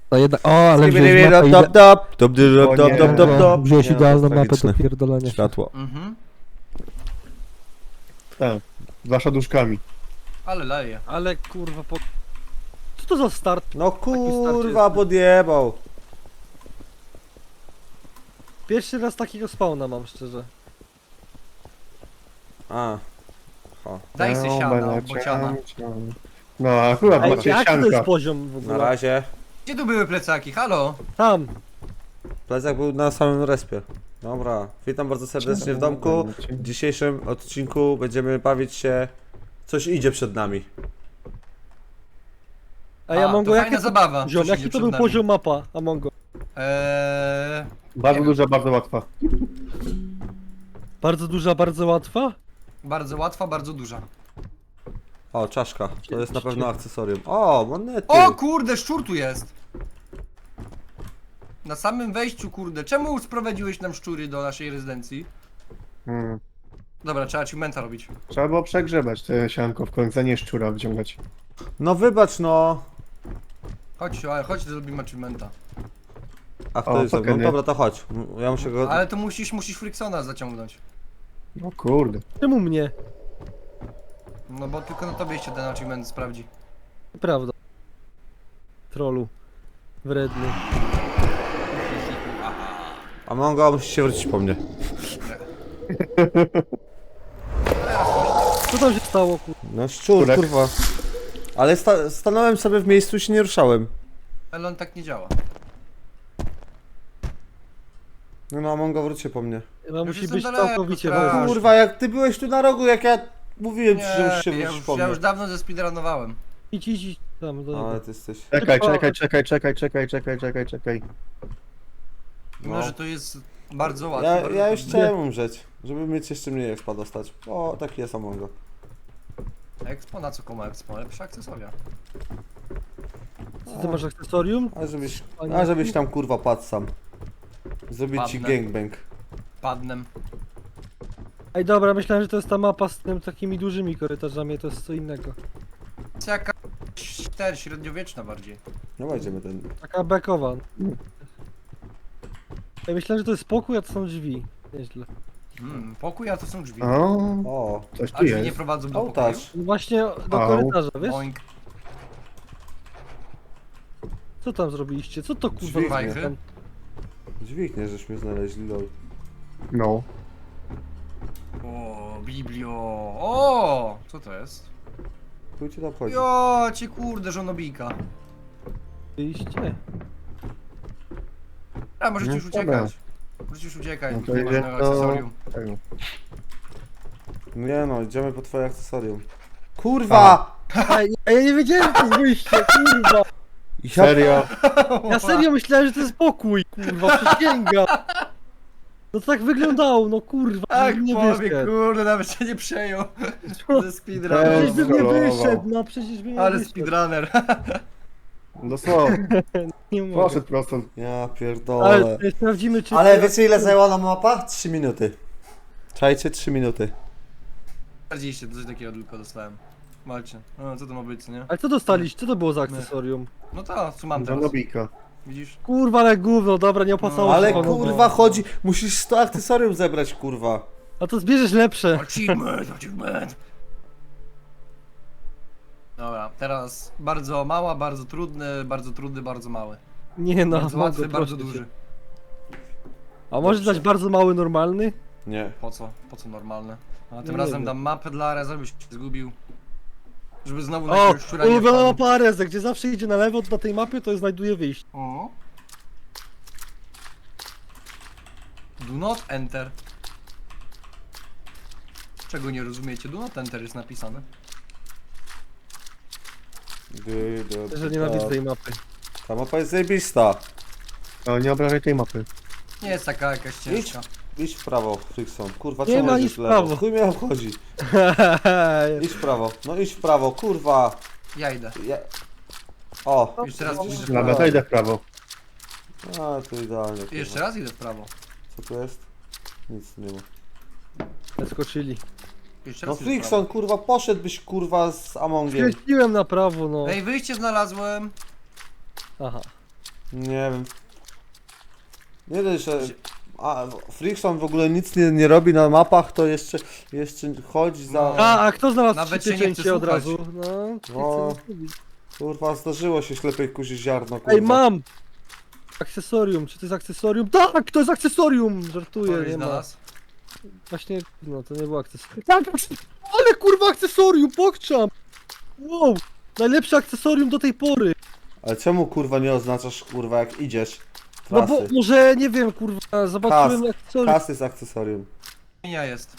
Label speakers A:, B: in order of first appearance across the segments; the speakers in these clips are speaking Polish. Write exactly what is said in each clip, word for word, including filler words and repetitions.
A: To jednak... O, ale wziąłeś
B: Top,
A: mapę
B: top,
A: ide...
B: top, top, top, top, top, top, top.
A: Wziąłeś
B: Nie,
A: idealną
B: to jest
A: mapę do
B: tragiczne.
A: pierdolenia.
B: Światło.
C: Mhm.
D: Tak, z waszaduszkami.
C: Ale leje.
A: Ale kurwa, po... Co to za start?
B: No
A: start
B: kurwa,
A: jest.
B: podjebał.
A: Pierwszy raz takiego spawna mam, szczerze.
B: A. Ho.
C: Daj se siana, bociana.
D: No, akurat
A: Ej,
D: macie
A: jaki to jest
D: sianka.
A: poziom w
B: Na
A: ogóle?
B: razie.
C: Gdzie tu były plecaki? Halo?
A: Tam.
B: Plecak był na samym respie. Dobra, witam bardzo serdecznie w domku. W dzisiejszym odcinku będziemy bawić się... Coś idzie przed nami.
A: A ja
C: A,
A: Mongo,
C: to
A: jaki
C: fajna
A: to...
C: zabawa.
A: Ziom,
C: Coś
A: jaki
C: idzie
A: to
C: przed
A: był
C: nami.
A: poziom mapa, Amongo?
C: Eee...
D: Bardzo
C: Nie
D: duża, bardzo łatwa.
A: Bardzo duża, bardzo łatwa?
C: Bardzo łatwa, bardzo duża.
B: O, czaszka. To jest na pewno akcesorium. O, monety.
C: O kurde, szczur tu jest! Na samym wejściu, kurde. Czemu sprowadziłeś nam szczury do naszej rezydencji?
D: Hmm.
C: Dobra, trzeba achievementa robić.
D: Trzeba było przegrzebać te sianko w końcu, a nie szczura wyciągać.
B: No wybacz no.
C: Chodź, ale chodź, zrobimy achievementa.
B: A kto
D: O,
B: jest ze mną?
D: fucking nie.
B: Dobra, to chodź. Ja muszę go...
C: Ale to musisz, musisz Fricksona zaciągnąć.
D: No kurde.
A: Czemu mnie?
C: No bo tylko na tobie się ten achievement sprawdzi.
A: Prawda. Trollu. Wredny.
B: A Mongo, musisz się wrócić po mnie.
A: Co tam się stało, kur...
B: No szczur,
D: Kurek.
B: kurwa. Ale sta stanąłem sobie w miejscu i się nie ruszałem.
C: Ale on tak nie działa.
B: No no, Mongo, wróć się po mnie.
A: Chyba
C: Już
A: musi
C: jestem
A: być
C: daleko,
A: całkowicie
C: strasznie.
A: wolny.
B: Kurwa, jak ty byłeś tu na rogu, jak ja mówiłem ci, że
C: Nie,
B: musisz się
C: ja
B: wrócić
C: już,
B: po
C: ja
B: mnie.
C: już dawno zespeedrunowałem.
A: Idź, idź, idź. Tam, do
B: Ale
A: niego.
B: ty jesteś...
D: Czekaj,
A: Tylko-
D: czekaj, czekaj, czekaj, czekaj, czekaj, czekaj, czekaj.
C: Mimo,
B: No.
C: że to jest bardzo łatwe.
B: Ja,
C: bardzo
B: ja już
C: trudne.
B: chciałem umrzeć, żeby mieć jeszcze mniej expa dostać. O, taki jest Mongo.
C: Expo, na co komu Expo? Lepsze akcesoria.
A: Co ty masz akcesorium?
B: A żebyś,
A: Panie-
B: a żebyś tam kurwa padł sam. Zrobić ci
C: Padnę.
B: gangbang.
C: Padnem.
A: Ej, dobra, myślałem, że to jest ta mapa z tym takimi dużymi korytarzami, to jest co innego.
C: To jest jakaś ter, średniowieczna bardziej.
B: No wejdziemy ten.
A: Taka bekowa. Ja myślałem, że to jest pokój, a to są drzwi. Nieźle.
C: Hmm, pokój, a to są drzwi.
D: O,
B: O,
D: coś
C: A
D: tu
C: drzwi nie
D: jest.
C: prowadzą do pokoju?
B: ołtarz.
A: No właśnie do
D: Au.
A: korytarza, wiesz?
C: Oink.
A: Co tam zrobiliście? Co to kurwa
B: Dźwignie.
A: zrobiliście tam?
B: Dźwignie, żeśmy znaleźli, lol.
D: No.
C: O, biblio. O, co to jest?
B: Chuj ci to obchodzi.
C: Jo, cię kurde, żonobijka.
A: Byliście?
C: A, możecie
D: No,
C: już
D: dobra.
C: uciekać. Możecie już uciekać,
D: No to
C: nie ma
D: idzie
C: żadnego
D: to-
C: akcesorium.
D: Tego.
B: Nie no, idziemy po twoje akcesorium. Kurwa!
A: Ej, ja, ja nie wiedziałem, że to jest wyjście, kurwa!
B: Ja...
D: Serio?
A: Ja serio myślałem, że to jest pokój, kurwa, przysięgam! No to tak wyglądało, no kurwa,
C: Tak,
A: nie
C: powie,
A: wyszedł.
C: kurde, nawet się nie przejął.
A: Co?
C: Ze
A: Przecież
C: speedrunner.
A: bym nie
D: Trollował.
A: wyszedł, no przecież bym nie
C: Ale
A: wyszedł.
C: speedrunner.
D: Dosłownie.
A: Nie mogę.
D: Poszedł prosto.
B: Ja
A: Ale
B: pierdolę.
A: tutaj sprawdzimy, czy...
B: Ale wiecie ile zajęła nam mapa? trzy minuty. Czajcie, trzy minuty.
C: czterdzieści, to coś takiego tylko dostałem. Walcie. No, co to ma być, co nie?
A: Ale co dostaliście? Co to było za akcesorium?
C: No to, co mam teraz?
D: Żonobijka.
C: Widzisz?
A: Kurwa, ale gówno, dobra, nie opłacało
C: No,
A: się
B: Ale
A: panu.
B: kurwa chodzi, musisz sto akcesorium zebrać, kurwa.
A: A to zbierzesz lepsze.
C: Achievement, achievement. Dobra, teraz bardzo mała, bardzo trudny, bardzo trudny, bardzo mały.
A: Nie no,
C: Bardzo
A: mogę,
C: łatwy, bardzo
A: proszę cię.
C: duży.
A: A możesz dać bardzo mały, normalny?
B: Nie.
C: Po co? Po co normalne? A tym
A: Nie
C: razem
A: wiem.
C: dam mapę dla Areza, żebyś się zgubił. Żeby znowu na
A: O,
C: jakiegoś szczura nie
A: ulubiona
C: wpadł.
A: mapa Areza, gdzie zawsze idzie na lewo, to na tej mapie to znajduje wyjście.
C: O. Do not enter. Czego nie rozumiecie? Do not enter jest napisane.
B: Dy, dy,
A: Że
B: dy,
A: nienawidzę
B: da.
A: tej mapy.
B: Ta mapa jest zajebista.
D: Ale nie obrażaj tej mapy.
C: Nie jest taka jakaś ciężka.
B: Idź w prawo, Frickson. Kurwa,
A: Nie
B: czemu
A: ma
B: idziesz
A: nic
B: w
A: w
B: lewo?
A: prawo.
B: Chuj mnie obchodzi. Idź w prawo. No idź w prawo, kurwa.
C: Ja idę.
B: Ja... O.
C: Jeszcze raz idę w
D: Dobra,
C: prawo.
D: to idę w prawo.
B: A, to idealnie. kurwa.
C: Jeszcze raz idę w prawo.
B: Co tu jest? Nic nie ma.
A: Skoczyli.
C: Jeszcze
B: No
C: raz idę w prawo.
B: Frickson, kurwa, poszedłbyś kurwa z Amongiem.
A: Skręciłem na prawo, no.
C: Ej, wyjście znalazłem.
A: Aha.
B: Nie wiem. Nie dość, że... A, Frickson w ogóle nic nie, nie robi na mapach, to jeszcze, jeszcze chodzi za...
C: No.
A: A, a kto znalazł
C: Nawet
A: trzy
C: się nie chce
A: pieczęcie od
C: słuchać.
A: razu? No, nie chcę
B: O.
A: nic mówić.
B: Kurwa, zdarzyło się ślepej kuzi ziarno, kurwa.
A: Ej, mam! Akcesorium, czy to jest akcesorium? Tak, to jest akcesorium! Żartuję,
C: Ktoś
A: nie ma.
C: znalazł?
A: Właśnie, no to nie było akcesorium. Tak, akces- ale kurwa akcesorium, pokczam! Wow! Najlepsze akcesorium do tej pory!
B: Ale czemu kurwa nie oznaczasz kurwa jak idziesz?
A: No bo
B: Trasy.
A: może, nie wiem, kurwa, zobaczyłem
B: Kas.
A: akcesorium.
B: Kas jest akcesorium.
C: Świnia jest.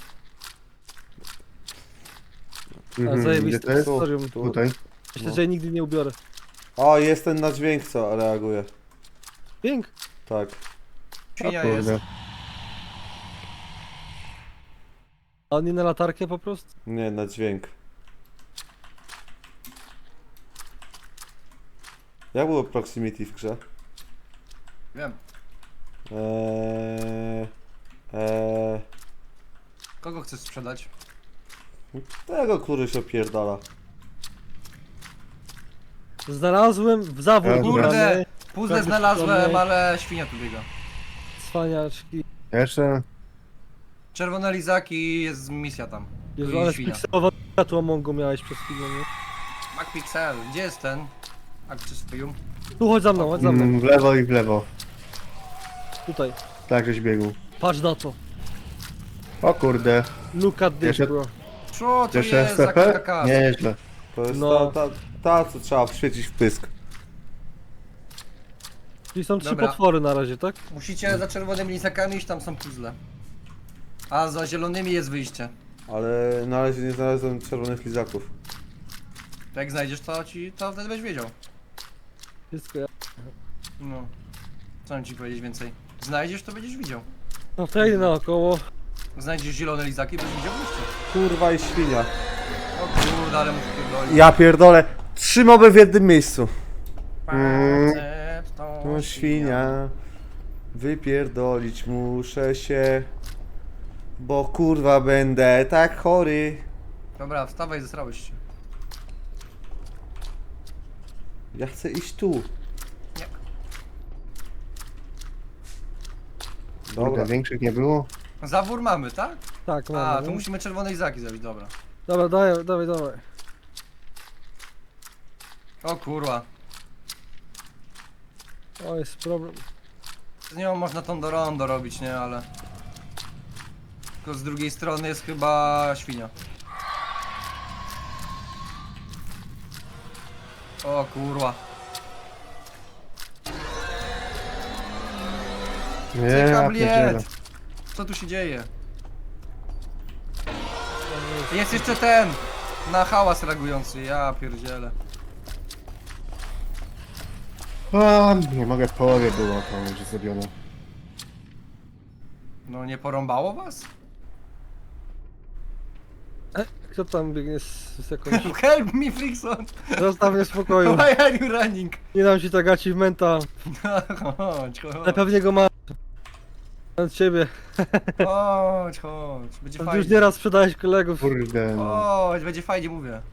A: A
D: Mhm, gdzie
A: zajebiste
D: to jest?
A: akcesorium.
B: Tu.
D: Tutaj.
A: Myślę,
B: No.
A: że jej nigdy nie ubiorę.
B: O, jest ten na dźwięk, co reaguje.
A: Pięk.
B: Tak.
C: Świnia
D: O
C: jest.
D: kurde.
A: A nie na latarkę po prostu?
B: Nie, na dźwięk. Jak było proximity w grze?
C: Wiem.
B: Eee, eee,
C: Kogo chcesz sprzedać?
B: tego, który się opierdala.
A: Znalazłem w zawór
D: Kurde.
A: górany.
C: Puzzle
A: Prawie
C: znalazłem,
A: przytomny.
C: ale świnia tu biega.
A: Cwaniaczki.
D: Jeszcze.
C: Czerwone lizaki, jest misja tam.
A: Jezu,
C: Tu i
A: ale
C: świnia.
A: spikselowane światło Mongo miałeś przez chwilę, nie?
C: MacPixel, gdzie jest ten? Akcesorium?
A: Tu chodź za mną, chodź za mną.
D: Mm, w lewo i w lewo.
A: Tutaj.
D: Tak, żeś biegł.
A: Patrz na to.
D: O kurde.
A: Look at this,
D: Jeszcze-
A: bro.
C: Co to
D: Jeszcze
C: jest za
D: S T P?
C: kakas?
D: Nie, nieźle.
B: To jest
A: No.
B: ta, ta, ta, co trzeba wświecić w pysk.
A: Czyli są trzy
C: Dobra.
A: potwory na razie, tak?
C: Musicie za czerwonymi lizakami iść, tam są puzzle. A za zielonymi jest wyjście.
B: Ale na razie nie znalazłem czerwonych lizaków.
C: To jak znajdziesz to ci, to wtedy będziesz wiedział.
A: Wszystko ja.
C: No. Co mam ci powiedzieć więcej? Znajdziesz, to będziesz widział.
A: No to ja idę naokoło.
C: Znajdziesz zielone lizaki, będziesz widział wyjście.
B: Kurwa i świnia.
C: O kurde, ale muszę pierdolić.
B: Ja pierdolę. Trzy moby w jednym miejscu.
D: Mm.
C: Facet to
B: No świnia. Wypierdolić muszę się. Bo kurwa będę tak chory.
C: Dobra, wstawaj, zesrałeś się.
B: Ja chcę iść tu.
C: Nie.
B: Dobra.
D: Kurde, większych nie było.
C: Zawór mamy, tak?
A: Tak,
C: A,
A: mamy.
C: to
A: no.
C: musimy czerwone lizaki zrobić, dobra.
A: Dobra, dawaj, dawaj, dawaj.
C: O kurwa.
A: O, jest problem.
C: Z nią można tą do rondo robić, nie? Ale... Tylko z drugiej strony jest chyba świnia. O kurwa.
D: Nie, ja
C: Cyka
D: pierdzielę.
C: bliet. Co tu się dzieje? Jest jeszcze ten! Na hałas reagujący, ja pierdzielę.
D: A, nie mogę, w połowie było to już zrobione.
C: No nie porąbało was?
A: E, kto tam biegnie z, z jakąś...
C: Help me, Frickson!
A: Zostaw mnie w spokoju.
C: Why are you running?
A: Nie dam ci tak achievementa.
C: Chodź,
A: Ale
C: chodź.
A: pewnie go ma. Od ciebie.
C: Chodź, chodź. Będzie
A: Już
C: fajnie.
A: nieraz sprzedałeś kolegów.
D: Kurde, no.
C: Chodź, będzie fajnie, mówię.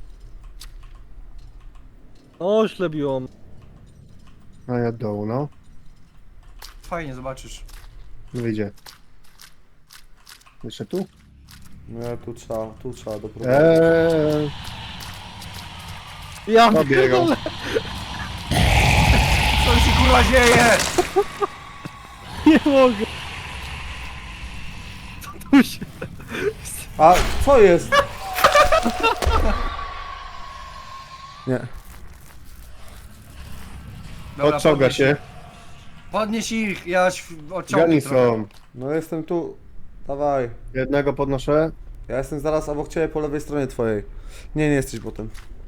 A: O, ślebiłam.
D: No ja od dołu, no.
C: Fajnie, zobaczysz.
D: Wyjdzie. Jeszcze tu?
B: No ja tu trzeba, tu trzeba doprowadzić.
D: Eee,
A: Ja
D: Obiegał.
A: pierdolę.
C: Co się kurwa dzieje?
A: Nie mogę. Tu się...
B: A co jest? Nie.
C: Dobra,
D: odciąga
C: podnieś-
D: się.
C: Podnieś ich, ja ś-
D: Gani
C: odciągnę trochę.
D: są.
B: No jestem tu. Dawaj.
D: Jednego podnoszę.
B: Ja jestem zaraz obok ciebie po lewej stronie twojej. Nie, nie jesteś potem.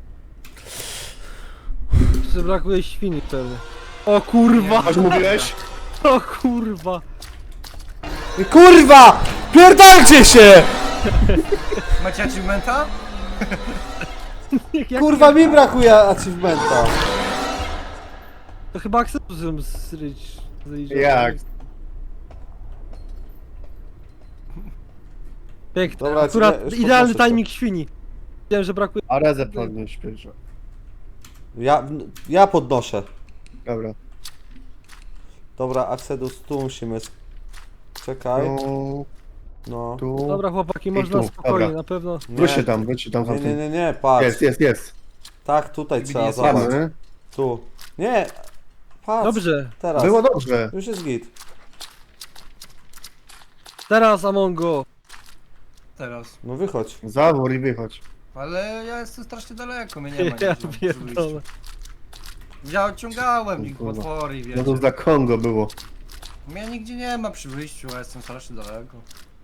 A: Jeszcze brakuje świni pewnie. O kurwa!
D: Aż mówiłeś?
A: O kurwa!
B: I kurwa! Pierdolcie się!
C: Macie achievementa?
A: Jak
B: Kurwa mi brakuje achievementa.
A: To chyba akceptuję zryć. zryć
D: Jak?
A: Pięknie.
B: Dobra,
A: Akurat
B: ci- już
A: idealny
B: podnoszę to.
A: timing świni. Wiem, że brakuje.
D: A razem podnieść pierwsze.
B: Ja, ja podnoszę.
D: Dobra.
B: Dobra, Axedus, tu musimy... Czekaj.
D: Tu,
B: No.
D: tu.
A: Dobra chłopaki,
D: I
A: można
D: tu,
A: spokojnie,
D: dobra.
A: na pewno.
D: Wróćcie tam, wróćcie tam za
B: Nie, nie,
D: tym.
B: nie, nie, patrz.
D: Jest, jest, jest.
B: Tak, tutaj
C: Gdzie
B: trzeba
C: jest?
B: zobacz.
D: Mamy.
B: Tu. Nie! Patrz.
A: Dobrze,
B: Teraz.
D: Było dobrze.
B: Już jest git.
A: teraz Amongo.
C: Teraz.
B: No wychodź.
D: Zawór i wychodź.
C: Ale ja jestem strasznie daleko, mnie nie ma
A: Ja
C: nigdzie przy
A: pierdolę.
C: wyjściu. Ja odciągałem ich
D: Kurwa.
C: potwory,
D: No
C: wiecie.
D: to za Kongo było.
C: Mnie nigdzie nie ma przy wyjściu, a jestem strasznie daleko.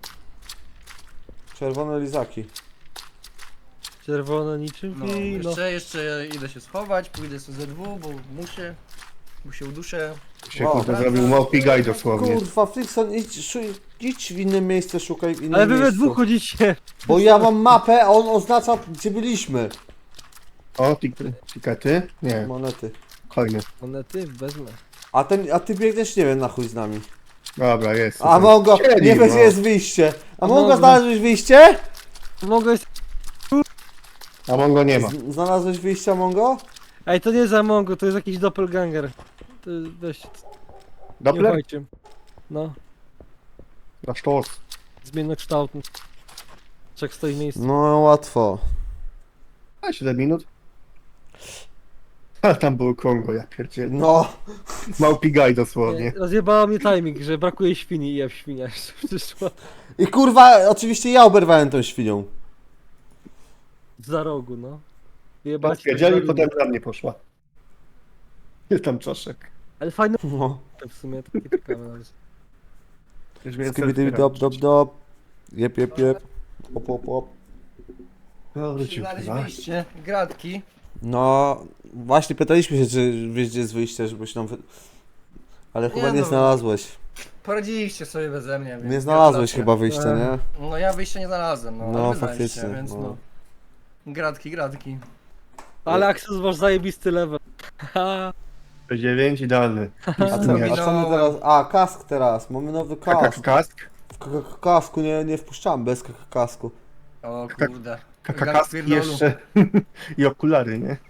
B: Czerwone lizaki.
A: Czerwone niczym
C: No,
A: wino.
C: jeszcze, jeszcze idę się schować, pójdę sobie ze dwu, bo muszę. Bo się uduszę.
D: Się
B: Wow.
D: kurde zrobił małpi gaj dosłownie.
B: Kurwa, Flixon, idź, szuj, idź w inne miejsce, szukaj w innym
A: Ale wy we
B: miejscu.
A: dwóch chodzicie.
B: Bo ja mam mapę, a on oznacza, gdzie byliśmy.
D: O, tik- tikety? Nie,
B: Monety.
D: hojny.
A: Monety wezmę.
B: A, ten, a ty biegniesz, nie wiem, na chuj z nami.
D: Dobra, jest.
B: A Mongo,
D: Siedzi,
B: nie wiesz,
D: no.
B: gdzie jest wyjście. A Mongo,
A: Mongo.
B: znalazłeś wyjście?
A: Mogę jest...
D: A Mongo nie ma.
B: Z- Znalazłeś wyjście, Mongo?
A: Ej, to nie jest Amongo, to jest jakiś doppelganger. To jest dość... Nie
D: Doppler?
A: ufajcie. No,
D: Na sztos.
A: zmiennokształtny. Czek stoi w miejscu.
B: No, łatwo.
D: A, siedem minut. A tam było Kongo, ja pierdzielę.
B: No.
D: Małpi gaj
A: Nie,
D: dosłownie.
A: rozjebała mnie timing, że brakuje świni i ja w świnia jeszcze przyszła.
B: I kurwa, oczywiście ja oberwałem tą świnią.
A: Za rogu, no. Jebać.
D: Wiedzieli, potem na mnie poszła. Jest tam czaszek.
A: Ale fajne
B: No.
A: w sumie, takie ciekawe nawet.
D: Już mnie
B: Skibidi dop dop dop. Jep, jep, jep. Op, op, op.
D: No, wrócił
C: Znaleźć
D: chyba.
C: wyjście, gratki.
B: No, właśnie pytaliśmy się, czy wiesz, gdzie jest wyjście, żebyś nam... Wy... Ale chyba
C: Nie
B: nie
C: no.
B: znalazłeś.
C: Poradziliście sobie beze mnie, więc
B: Nie znalazłeś
C: gratulacje.
B: chyba wyjścia, nie?
C: No ja wyjścia nie znalazłem, no,
B: No,
C: ale wy znaleźliście,
B: faktycznie,
C: więc
B: no.
C: no. Gratki, gratki.
A: Ale Axel masz zajebisty level. Haha.
D: dziewięć idealny.
B: A co, a co my teraz? A, kask teraz. Mamy nowy
D: Kaka
B: kask.
D: kask?
B: W k- k- kasku nie, nie wpuszczamy, bez k- kasku.
C: O
D: Tak.
C: kurde.
D: Kaka
C: Gang
D: kask
C: pierdolu.
D: jeszcze. I okulary, nie?